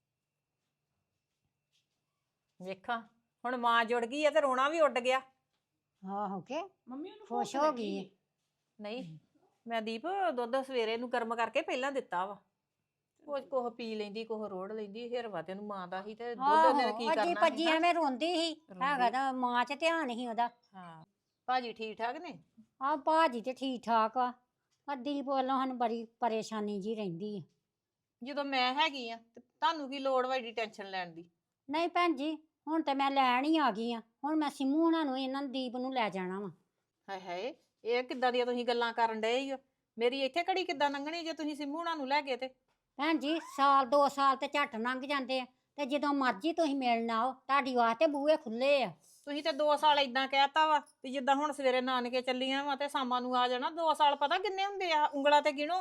ਵੇਖਾਂ ਹੁਣ ਮਾਂ ਜੁੜ ਗਈ ਆ ਤੇ ਰੋਣਾ ਵੀ ਉੱਡ ਗਿਆ। ਆਹੋ ਕੇ ਮੰਮੀ ਉਹਨੂੰ ਖੁਸ਼ ਭੁੱਖ ਹੋ ਲੱਗੀ ਗਈ ਸੀ। ਹੈ। ਨਹੀਂ ਮੈਂ ਦੀਪ ਦੁੱਧ ਸਵੇਰੇ ਨੂੰ ਗਰਮ ਕਰਕੇ ਪਹਿਲਾਂ ਦਿੱਤਾ ਵਾ, ਉਹ ਕੋਹ ਪੀ ਲੈਂਦੀ ਕੋਹ ਰੋੜ ਲੈਂਦੀ, ਹਿਰਵਾ ਤੇ ਉਹਨੂੰ ਮਾਂ ਦਾ ਹੀ, ਤੇ ਦੁੱਧ ਉਹਨੇ ਕੀ ਆਹੋ ਕਰਨਾ ਅੱਜੀ ਸੀ ਭੱਜੀ ਨਾ। ਐਵੇਂ ਰੋਂਦੀ ਸੀ, ਰੋਂਦੀ। ਹੈਗਾ ਤਾਂ ਮਾਂ 'ਚ ਧਿਆਨ ਸੀ ਉਹਦਾ। ਹਾਂ ਭਾਜੀ ਠੀਕ ਠਾਕ ਨੇ? ਆ ਭਾਜੀ ਤੇ ਠੀਕ ਠਾਕ ਆ। ਆ ਦੀਪ ਵੱਲੋਂ ਸਾਨੂੰ ਬੜੀ ਪਰੇਸ਼ਾਨੀ ਜੀ ਰਹਿੰਦੀ ਆ। ਜਦੋਂ ਮੈਂ ਹੈਗੀ ਆ ਤੇ ਤੁਹਾਨੂੰ ਕੀ ਲੋੜ ਵਾ ਏਡੀ ਟੈਨਸ਼ਨ ਲੈਣ ਦੀ? ਨਹੀਂ ਭੈਣ ਜੀ, ਹੁਣ ਤੇ ਮੈਂ ਲੈਣ ਹੀ ਆ ਗਈ ਆ। ਹੁਣ ਮੈਂ ਸਿੰਮੂ ਹੁਣਾਂ ਨੂੰ ਇਹਨਾਂ ਨੂੰ ਦੀਪ ਨੂੰ ਲੈ ਜਾਣਾ ਵਾ। ਹਾਏ ਹਾਏ, ਇਹ ਕਿੱਦਾਂ ਦੀਆਂ ਤੁਸੀਂ ਗੱਲਾਂ ਕਰਨ ਡਏ ਹੋ? ਮੇਰੀ ਇੱਥੇ ਘੜੀ ਕਿੱਦਾਂ ਲੰਘਣੀ ਜੇ ਤੁਸੀਂ ਸਿੰਮੂ ਹੁਣਾਂ ਨੂੰ ਲੈ ਗਏ ਤੇ? ਭੈਣ ਜੀ ਸਾਲ 2 ਸਾਲ ਤੇ ਝੱਟ ਲੰਘ ਜਾਂਦੇ ਆ, ਤੇ ਜਦੋਂ ਮਰਜ਼ੀ ਤੁਸੀਂ ਮਿਲਣ ਆਓ, ਤੁਹਾਡੀ ਵਾਸਤੇ ਬੂਹੇ ਖੁੱਲੇ ਆ। ਤੁਸੀਂ ਤੇ 2 ਸਾਲ ਇਦਾਂ ਕਹਿਤਾ ਵਾ ਵੀ ਜਿੱਦਾਂ ਹੁਣ ਸਵੇਰੇ ਨਾਨਕੇ ਚੱਲੀਆਂ ਵਾ ਤੇ ਸ਼ਾਮਾਂ ਨੂੰ ਆ ਜਾਣਾ। 2 ਸਾਲ ਪਤਾ ਕਿੰਨੇ ਹੁੰਦੇ ਆ, ਉਂਗਲਾਂ ਤੇ ਗਿਣੋ ਹਾਂ।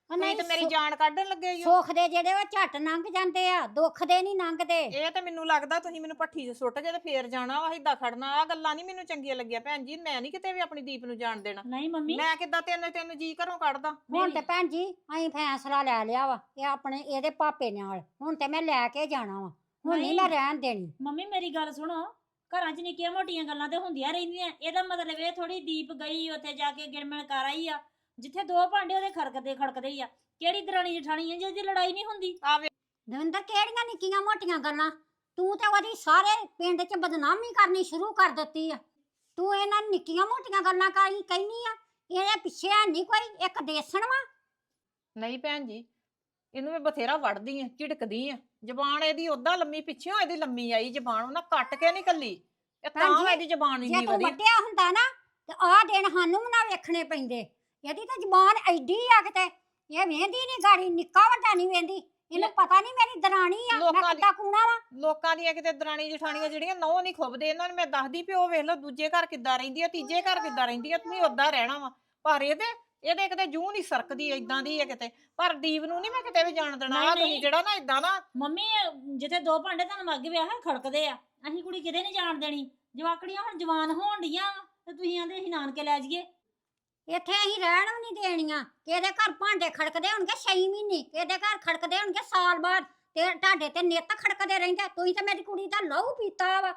ਤੁਸੀਂ ਤੇ ਮੇਰੀ ਜਾਨ ਕੱਢਣ ਲੱਗੇ ਈ ਓ। ਸੁੱਖ ਦੇ ਜਿਹੜੇ ਉਹ ਝੱਟ ਲੰਘ ਜਾਂਦੇ ਆ, ਦੁੱਖ ਦੇ ਨਹੀਂ ਲੰਘਦੇ। ਇਹ ਤੇ ਮੈਨੂੰ ਲੱਗਦਾ ਤੁਸੀਂ ਮੈਨੂੰ ਭੱਠੀ 'ਚ ਸੁੱਟ ਕੇ ਤੇ ਫੇਰ ਜਾਣਾ ਵਾ, ਏਦਾਂ ਖੜਨਾ। ਆ ਗੱਲਾਂ ਨਹੀਂ ਮੈਨੂੰ ਚੰਗੀਆਂ ਲੱਗੀਆਂ ਭੈਣ ਜੀ। ਮੈਂ ਨਹੀਂ ਕਿਤੇ ਵੀ ਆਪਣੀ ਦੀਪ ਨੂੰ ਜਾਣ ਦੇਣਾ। ਨਹੀਂ ਮੰਮੀ ਮੈਂ ਕਿੱਦਾਂ ਤਿੰਨ ਜੀ ਘਰੋਂ ਕੱਢਦਾ। ਹੁਣ ਤੇ ਭੈਣ ਜੀ ਅਸੀਂ ਫੈਸਲਾ ਲੈ ਲਿਆ ਵਾ ਇਹ ਆਪਣੇ ਇਹਦੇ ਪਾਪੇ ਨਾਲ, ਹੁਣ ਤੇ ਮੈਂ ਲੈ ਕੇ ਜਾਣਾ ਵਾ, ਹੁਣ ਨਹੀਂ ਮੈਂ ਰਹਿਣ ਦੇਣੀ। ਮੰਮੀ ਮੇਰੀ ਗੱਲ ਸੁਣੋ, ਘਰਾਂ 'ਚ ਨਿੱਕੀਆਂ ਮੋਟੀਆਂ ਗੱਲਾਂ ਤੇ ਹੁੰਦੀਆਂ ਰਹਿੰਦੀਆਂ। ਇਹਦਾ ਮਤਲਬ ਇਹ ਥੋੜੀ ਦੀਪ ਗਈ ਉੱਥੇ ਜਾ ਕੇ ਗਿਣਮਿਣ ਕਰ ਆਈ ਆ, ਜਿੱਥੇ ਦੋ ਭਾਂਡੇ ਉਹਦੇ ਖੜਕਦੇ ਹੀ ਆ। ਕਿਹੜੀ ਦਰਾਣੀ ਜਠਾਣੀ ਆ ਜਿਹਦੀ ਲੜਾਈ ਨਹੀਂ ਹੁੰਦੀ? ਦਵਿੰਦਰ ਕਿਹੜੀਆਂ ਨਿੱਕੀਆਂ ਮੋਟੀਆਂ ਗੱਲਾਂ, ਤੂੰ ਤੇ ਉਹਦੀ ਸਾਰੇ ਪਿੰਡ 'ਚ ਬਦਨਾਮੀ ਕਰਨੀ ਸ਼ੁਰੂ ਕਰ ਦਿੱਤੀ ਆ। ਤੂੰ ਇਹਨਾਂ ਨਿੱਕੀਆਂ ਮੋਟੀਆਂ ਗੱਲਾਂ ਕਹਿਨੀ ਆ, ਇਹਦੇ ਪਿੱਛੇ ਨਹੀਂ ਕੋਈ ਇੱਕ ਦੇਸਣ ਵਾ। ਨਹੀਂ ਭੈਣ ਜੀ, ਇਹਨੂੰ ਮੈਂ ਬਥੇਰਾ ਵੜਦੀ ਆ, ਝਿੜਕਦੀ ਆ। ਜ਼ਬਾਨ ਇਹਦੀ ਓਦਾਂ ਲੰਮੀ, ਪਿੱਛੋਂ ਇਹਦੀ ਲੰਮੀ ਆਈ ਜ਼ਬਾਨ, ਉਹਨਾਂ ਕੱਟ ਕੇ ਨਹੀਂ ਕੱਲੀ। ਇਹ ਭੈਣ ਤਾਂ ਜੀ, ਇਹਦੀ ਜ਼ਬਾਨ ਜੇ ਇੰਨੀ ਤੂੰ ਵਧੀ। ਵੱਡਿਆ ਹੁੰਦਾ ਨਾ ਤੇ ਆਹ ਦਿਨ ਸਾਨੂੰ ਵੀ ਨਾ ਵੇਖਣੇ ਪੈਂਦੇ। ਇਹਦੀ ਤਾਂ ਜ਼ਬਾਨ ਐਡੀ ਆ ਕਿਤੇ, ਇਹ ਵੇਂਦੀ ਨਹੀਂ ਗਾੜੀ, ਨਿੱਕਾ ਵੱਡਾ ਨਹੀਂ ਵੇਂਦੀ। ਇਹਨੂੰ ਪਤਾ ਨਹੀਂ ਮੇਰੀ ਦਰਾਣੀ ਆ, ਮੈਂ ਲੋਕਾਂ ਦੀ- ਕਿੱਦਾਂ ਕੂਣਾ ਵਾ। ਲੋਕਾਂ ਦੀਆਂ ਕਿਤੇ ਦਰਾਣੀ ਜਠਾਣੀਆਂ ਜਿਹੜੀਆਂ ਨਹੁੰ ਨਹੀਂ ਖੁੱਬਦੇ, ਇਹਨਾਂ ਨੂੰ ਮੈਂ ਦੱਸਦੀ ਪਿਓ ਵੇਖ ਲਓ ਦੂਜੇ ਘਰ ਕਿੱਦਾਂ ਰਹਿੰਦੀ ਆ, ਤੀਜੇ ਘਰ ਕਿੱਦਾਂ ਰਹਿੰਦੀ ਆ, ਤੁਸੀਂ ਓਦਾਂ ਰਹਿਣਾ ਵਾ। ਪਰ ਇਹਦੇ ਕਿਤੇ ਜੂੰ ਨਹੀਂ ਸਰਕਦੀ, ਏਦਾਂ ਦੀ ਆ ਕਿਤੇ। ਪਰ ਦੀਪ ਨੂੰ ਨਹੀਂ ਮੈਂ ਕਿਤੇ ਵੀ ਜਾਣ ਦੇਣਾ। ਨਹੀਂ, ਆ ਤੁਸੀਂ ਨਹੀਂ। ਜਿਹੜਾ ਨਾ ਏਦਾਂ ਨਾ, ਮੰਮੀ ਜਿੱਥੇ ਦੋ ਭਾਂਡੇ ਤੁਹਾਨੂੰ ਅੱਗ ਵਿਆਹ ਖੜਕਦੇ ਆ, ਅਸੀਂ ਕੁੜੀ ਕਿਤੇ ਨਹੀਂ ਜਾਣ ਦੇਣੀ। ਜਵਾਕੜੀਆਂ ਹੁਣ ਜਵਾਨ ਹੋਣ ਡੀਆਂ ਵਾ ਤੇ ਤੁਸੀਂ ਆਂਦੇ ਅਸੀਂ ਨਾਨਕੇ ਲੈ ਜਾਈਏ। ਇੱਥੇ ਅਸੀਂ ਰਹਿਣ ਵੀ ਨਹੀਂ ਦੇਣੀਆਂ। ਕਿਹਦੇ ਘਰ ਭਾਂਡੇ ਖੜਕਦੇ ਹੋਣਗੇ 6 ਮਹੀਨੇ, ਕਿਹਦੇ ਘਰ ਖੜਕਦੇ ਹੋਣਗੇ ਸਾਲ ਬਾਅਦ, ਤੇ ਤੁਹਾਡੇ ਤੇ ਨਿੱਤ ਖੜਕਦੇ ਰਹਿੰਦੇ। ਤੁਸੀਂ ਤਾਂ ਮੇਰੀ ਕੁੜੀ ਦਾ ਲਹੂ ਪੀਤਾ ਵਾ।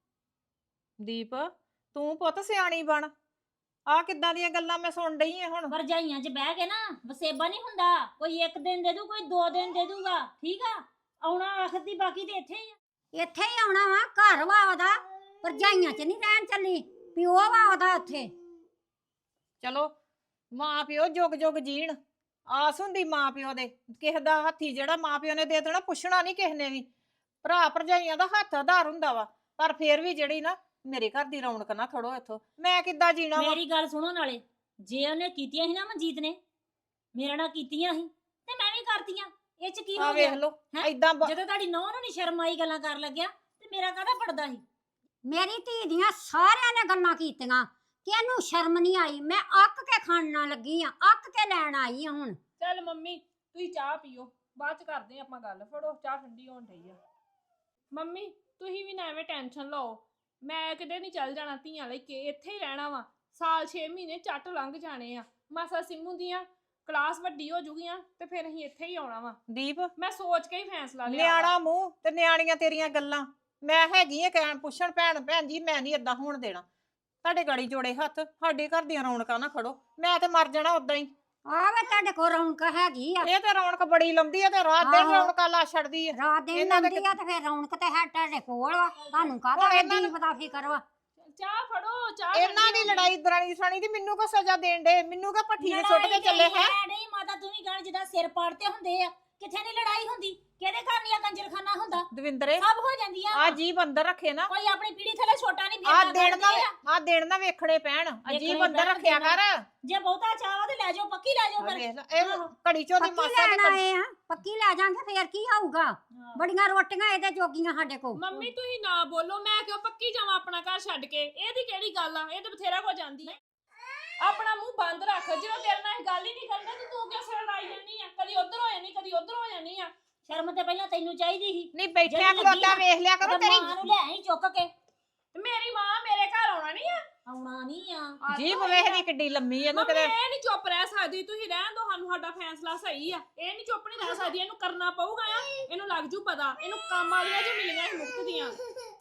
ਦੀਪ ਤੂੰ ਪੁੱਤ ਸਿਆਣੀ ਬਣ। ਆ ਕਿੱਦਾਂ ਦੀਆਂ ਗੱਲਾਂ ਮੈਂ ਸੁਣ ਡਈ ਆ ਹੁਣ। ਭਰਜਾਈਆਂ 'ਚ ਬਹਿ ਕੇ ਨਾ ਵਸੇਬਾ ਨਹੀਂ ਹੁੰਦਾ। ਕੋਈ ਇੱਕ ਦਿਨ ਦੇ ਦੂ, ਕੋਈ 2 ਦਿਨ ਦੇ ਦੂਗਾ, ਠੀਕ ਆ। ਆਉਣਾ ਆਖਰ ਦੀ, ਬਾਕੀ ਤੇ ਇੱਥੇ ਹੀ ਆ। ਇੱਥੇ ਹੀ ਆਉਣਾ ਵਾ, ਘਰ ਵਾ ਉਹਦਾ, ਭਰਜਾਈਆਂ 'ਚ ਨਹੀਂ ਰਹਿਣ ਚੱਲੀ। ਪਿਓ ਵਾ ਉਹਦਾ ਉੱਥੇ। ਚਲੋ ਮਾਂ ਪਿਓ ਜੁਗ ਜੁਗ ਜੀਣ। ਆਸ ਹੁੰਦੀ ਮਾਂ ਪਿਓ ਦੇ, ਕਿਸੇ ਦਾ ਹੱਥੀ ਜਿਹੜਾ ਮਾਂ ਪਿਓ ਨੇ ਦੇ ਦੇਣਾ, ਪੁੱਛਣਾ ਨਹੀਂ ਕਿਸੇ ਨੇ ਵੀ। ਭਰਾ ਭਰਜਾਈਆਂ ਦਾ ਹੱਥ ਆਧਾਰ ਹੁੰਦਾ ਵਾ, ਪਰ ਫੇਰ ਵੀ ਜਿਹੜੀ ਨਾ ਮੇਰੇ ਘਰ ਦੀ ਰੌਣਕ ਨਾ ਖੜੋ ਇੱਥੋਂ। ਮੈਂ ਕਿੱਦਾਂ ਜੀਣਾ ਵਾ? ਮੇਰੀ ਗੱਲ ਸੁਣੋ, ਨਾਲੇ ਜੇ ਉਹਨੇ ਕੀਤੀਆਂ ਸੀ ਨਾ ਮਨਜੀਤ ਨੇ, ਮੇਰੇ ਨਾਲ ਕੀਤੀਆਂ ਸੀ ਤੇ ਮੈਂ ਵੀ ਕਰਤੀਆਂ। ਇਹ 'ਚ ਕੀ ਆ ਹੋ ਵੇਖ ਗਿਆ? ਲਓ ਹੈਂ? ਏਦਾਂ ਜਦੋਂ ਤੁਹਾਡੀ ਨੌਂ ਨੂੰ ਨਹੀਂ ਸ਼ਰਮ ਆਈ ਗੱਲਾਂ ਕਰਨ ਲੱਗਿਆ, ਤੇ ਮੇਰਾ ਕਾਹਦਾ ਪੜਦਾ ਸੀ? ਮੇਰੀ ਧੀ ਦੀਆਂ ਸਾਰਿਆਂ ਨੇ ਗੱਲਾਂ ਕੀਤੀਆਂ ਕਿ ਇਹਨੂੰ ਸ਼ਰਮ ਨਹੀਂ ਆਈ। ਮੈਂ ਅੱਕ ਕੇ ਖਾਣ ਲੱਗੀ ਆ, ਅੱਕ ਕੇ ਲੈਣ ਆਈ ਆ ਹੁਣ। ਚੱਲ ਮੰਮੀ ਤੁਸੀਂ ਚਾਹ ਪੀਓ, ਬਾਅਦ ਚ ਕਰਦੇ ਆਪਾਂ ਗੱਲ। ਫੜੋ ਚਾਹ, ਠੰਡੀ ਹੋਣ ਡਈ ਆ। ਮੰਮੀ ਤੁਸੀਂ ਵੀ ਨਾ ਐਵੇਂ ਟੈਨਸ਼ਨ ਲਓ, ਮੈਂ ਕਿਤੇ ਨਹੀਂ ਚੱਲ ਜਾਣਾ। ਧੀਆਂ ਲਈ ਕੇ ਇੱਥੇ ਹੀ ਰਹਿਣਾ ਵਾ। ਸਾਲ 6 ਮਹੀਨੇ ਝੱਟ ਲੰਘ ਜਾਣੇ ਆ। ਮਾਸਾ ਸਿੰਮੂ ਦੀਆਂ ਕਲਾਸ ਵੱਡੀ ਹੋ ਜੂਗੀਆਂ ਤੇ ਫਿਰ ਅਸੀਂ ਇੱਥੇ ਹੀ ਆਉਣਾ ਵਾ। ਦੀਪ ਮੈਂ ਸੋਚ ਕੇ ਹੀ ਫੈਸਲਾ ਲਿਆ ਵਾ। ਨਿਆਣਾ ਮੂੰਹ ਤੇ ਨਿਆਣੀਆਂ ਤੇਰੀਆਂ ਗੱਲਾਂ। ਮੈਂ ਹੈਗੀ ਆ ਕਹਿਣ ਪੁੱਛਣ, ਭੈਣ ਜੀ ਮੈਂ ਨਹੀਂ ਏਦਾਂ ਹੋਣ ਦੇਣਾ। ਤੁਹਾਡੇ ਗਾੜੀ ਜੋੜੇ ਹੱਥ, ਸਾਡੇ ਘਰ ਦੀਆਂ ਰੌਣਕਾਂ ਨਾ ਖੜੋ। ਮੈਂ ਤੇ ਮਰ ਜਾਣਾ ਉਦਾਂ ਹੀ। ਆਵੇ ਤੁਹਾਡੇ ਕੋਲ ਰੌਣਕ ਹੈਗੀ ਆ, ਇਹ ਤੇ ਰੌਣਕ ਬੜੀ ਲੰਦੀ ਆ ਤੇ ਰਾਤ ਦਿਨ ਆਹੋ। ਰੌਣਕਾਂ ਲਾ ਛੱਡਦੀ ਆ। ਰਾਤ ਦਿਨ ਇਹਨਾਂ ਦੇ ਲੰਦੀ ਆ ਤੇ ਫਿਰ ਰੌਣਕ ਤੇ ਹੈ ਤੁਹਾਡੇ ਕੋਲ ਵਾ। ਤੁਹਾਨੂੰ ਕਾਹਦਾ ਹੁਣ ਇਹਨਾਂ ਦੀਪ ਦਾ ਫਿਕਰ ਵਾ? ਚਾਹ ਫੜੋ, ਚਾਹ ਇਹਨਾਂ ਦੀ ਠੰਡੀ ਹੋ ਗਈ। ਲੜਾਈ ਦਰਾਣੀ ਜਠਾਣੀ ਦੀ ਮੈਨੂੰ ਕੋ ਸਜ਼ਾ ਦੇਣ ਦੇ? ਮੈਨੂੰ ਕਾ ਭੱਠੀ 'ਚ ਸੁੱਟ ਕੇ ਚੱਲੇ ਹੈ? ਨਹੀਂ ਮਾਤਾ, ਤੂੰ ਵੀ ਗਾਣ ਜਿੱਦਾਂ ਸਿਰ ਪਾੜਤੇ ਹੁੰਦੇ ਆ। ਕਿੱਥੇ ਨਹੀਂ ਲੜਾਈ ਹੁੰਦੀ? ਕਿਹਦੇ ਘਰ ਨਹੀਂ ਆ ਕੰਜਰਖਾਨਾ ਹੁੰਦਾ? ਦਵਿੰਦਰੇ ਸਭ ਹੋ ਜਾਂਦੀਆਂ ਆ ਵਾਂ। ਜੀਬ ਅੰਦਰ ਰੱਖੇ ਨਾ, ਕੋਈ ਆਪਣੀ ਪੀੜੀ ਥੱਲੇ ਛੋਟਾ ਨਹੀਂ ਆ ਫਿਰਦਾ ਦਿਨ ਨਾ ਕਰਦੇ ਆ। ਆ ਦਿਨ ਨਾ ਵੇਖਣੇ ਪੈਣ। ਅਜੀਬ ਵੇਖਣੇ ਅੰਦਰ ਪੈਣ ਰੱਖਿਆ ਕਰ। ਜੇ ਬਹੁਤਾ ਚਾਹਵਾ ਤੇ ਲੈ ਜਾਓ, ਪੱਕੀ ਲੈ ਜਾਓ ਆ ਫਿਰ। ਵੇਖ ਲੈ, ਇਹ ਆਹੋ। ਘੜੀ ਚੋਂ ਦੀ ਪੱਕੀ ਮਾਸਾ ਲੈਣ ਤੇ ਆਏ ਆ, ਪੱਕੀ ਲੈ ਜਾਾਂਗੇ ਫੇਰ ਕੀ ਹੋਊਗਾ? ਬੜੀਆਂ ਰੋਟੀਆਂ ਇਹਦੇ ਜੋਗੀਆਂ ਸਾਡੇ ਕੋਲ। ਮੰਮੀ ਤੁਸੀਂ ਨਾ ਬੋਲੋ, ਮੈਂ ਕਿਉਂ ਪੱਕੀ ਜਾਵਾਂ ਆਪਣਾ ਘਰ ਛੱਡ ਕੇ? ਇਹਦੀ ਕਿਹੜੀ ਗੱਲ ਆ? ਇਹ ਤਾਂ ਬਥੇਰਾ ਕੋ ਜਾਂਦੀ ਆ। ਆਪਣਾ ਮੂੰਹ ਬੰਦ ਰੱਖ। ਜਦੋਂ ਤੇਰੇ ਨਾਲ ਇਹ ਗੱਲ ਹੀ ਨਹੀਂ ਕਰਦਾ ਤੇ ਤੂੰ ਕਿਉਂ ਸਿਰ ਲਾਈ ਜਾਂਦੀ ਆ? ਕਦੀ ਉਧਰ ਹੋ ਜਾਨੀ, ਕਦੀ ਉਧਰ ਹੋ ਜਾਨੀ ਆ। ਸ਼ਰਮ ਤੇ ਪਹਿਲਾਂ ਤੈਨੂੰ ਚਾਹੀਦੀ ਸੀ। ਨਹੀਂ ਬੈਠਿਆ ਜਿਹੜੀ ਲੱਗੀ ਖਲੋਤਾ ਆ, ਵੇਖ ਲਿਆ ਕਰੋ। ਉਹਦੇ ਤੇਰੀ ਮਾਂ ਨੂੰ ਲੈ ਆਈ ਚੁੱਕ ਕੇ। ਤੇ ਮੇਰੀ ਮਾਂ ਮੇਰੇ ਘਰ ਆਉਣਾ ਨਹੀਂ ਆ। ਆਉਣਾ ਨਹੀਂ ਆ। ਜੀਬ ਵੇਖਦੀ ਕਿੱਡੀ ਲੰਮੀ ਇਹਨੂੰ ਮੰਮੀ ਕਿਤੇ। ਇਹ ਨਹੀਂ ਚੁੱਪ ਰਹਿ ਸਕਦੀ। ਤੁਸੀਂ ਰਹਿਣ ਦੋ, ਸਾਨੂੰ ਸਾਡਾ ਫੈਸਲਾ ਸਹੀ ਆ। ਇਹ ਨਹੀਂ ਚੁੱਪ ਨਹੀਂ ਰਹਿ ਸਕਦੀ, ਇਹਨੂੰ ਕਰਨਾ ਪਊਗਾ ਆ। ਇਹਨੂੰ ਲੱਗ ਜੂ ਪਤਾ। ਇਹਨੂੰ ਕੰਮ ਵਾਲੀਆਂ ਜੋ ਮਿਲੀਆਂ ਸੀ ਮੁਫਤ ਦੀਆਂ।